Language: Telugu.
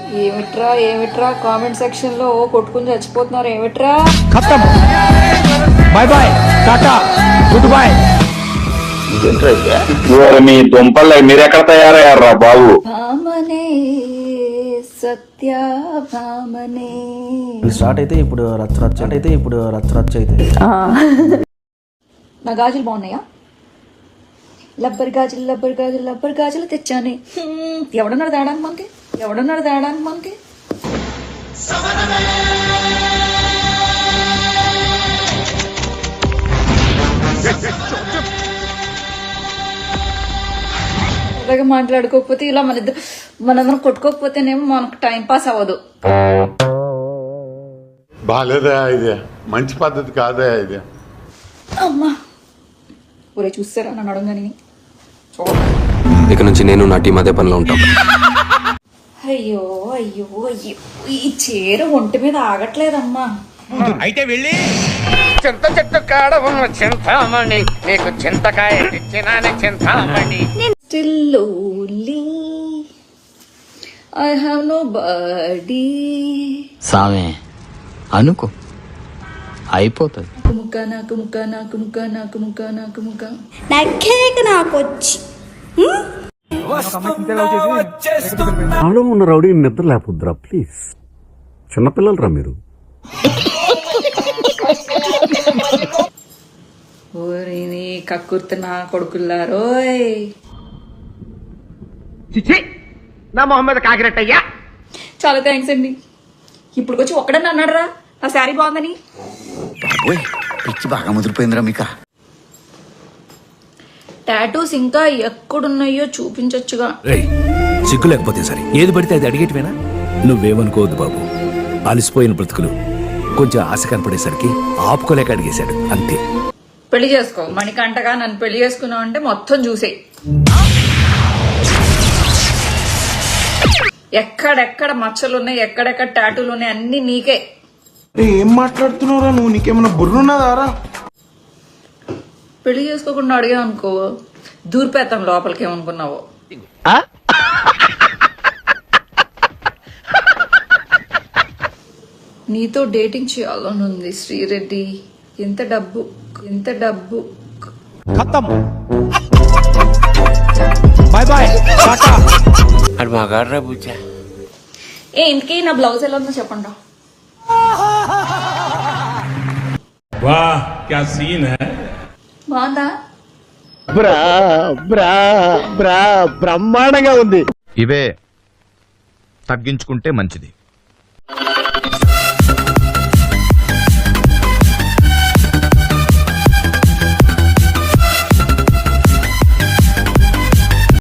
ఏమిట్రా ఏమిట్రా కామెంట్ సెక్షన్ లో కొట్టుకుని చచ్చిపోతున్నారు ఏమిట్రా. ఖతం bye bye tata good bye. మీ దుంపలు మీరెక్కడ తయారయ్యారా బాబు. భామనే సత్య భామనే స్టార్ట్ అయితే ఇప్పుడు రచ్చ అయితే నా గాజులు బాగున్నాయా? లబ్బర్ గాజులు తెచ్చానే. ఎవడన్నాడు తేడానికి మనకి అలాగే మాట్లాడుకోకపోతే ఇలా మనందరం కొట్టుకోకపోతేనేమో మనకు టైం పాస్ అవ్వదు. బాలేదా ఇది? మంచి పద్ధతి కాదా ఇది? అమ్మా ఊరే చూస్తారా నన్ను అడగని. ఇక నుంచి నేను నా టీం అదే పనిలో ఉంటాం. అయ్యో అయ్యో అయ్యో ఈ చీర ఒంటి మీద ఆగట్లేదమ్మా. అయితే వెళ్ళి చింత చెట్టు కాడ ఉన్న చింతామణి నీకు చింతకాయ తెచ్చినానే Chintamani. Still lonely, I have nobody. సామే అనుకో అయిపోతుంది. నాలో ఉన్న రౌడీ నిద్ర లేకపోద్దురా ప్లీజ్. చిన్నపిల్లలరా మీరు. ఓరిని కక్కుర్తున్నా కొడుకుల్లారోయ్. నా మొహమ్మద్ కాకిరెట్టయ్యా. చాలా థ్యాంక్స్ అండి. ఇప్పుడు వచ్చి ఒక్కడన్నా అన్నాడరా నా శారీ బాగుందని. పిచ్చి బాగా ముదిరిపోయిందిరా మీకా. టాటూస్ ఇంకా ఎక్కడున్నాయో చూపించొచ్చుగా. సిగ్గు లేకపోతే సరే ఏది పడితే అది అడిగేటివేనా? నువ్వేమనుకోవద్దు బాబు, అలసిపోయిన బ్రతుకులు కొంచెం ఆశ కనపడేసరికి ఆపుకోలేక అడిగేశాడు అంతే. పెళ్లి చేసుకో మణికంటగా నన్ను పెళ్లి చేసుకున్నావు అంటే మొత్తం చూసే. ఎక్కడెక్కడ మచ్చలు ఉన్నాయి, ఎక్కడెక్కడ టాటూలు ఉన్నాయి అన్ని నీకే. ఏం మాట్లాడుతున్నావురా నువ్వు? నీకేమన్నా బుర్రున్నదారా? పెళ్లి చేసుకోకుండా అడిగా అనుకో దూరిపేతాం లోపలికి. ఏమనుకున్నావో నీతో డేటింగ్ చేయాలని ఉంది శ్రీరెడ్డి. ఎంత డబ్బు ఖతం బై బై టాటా. అది మగాడ్రా బుజ్జా. ఇంతకీ నా బ్లౌజ్ ఎలా ఉందో చెప్పండి. బాగుందా? బ్రహ్మాండంగా ఉంది. ఇవే తగ్గించుకుంటే మంచిది.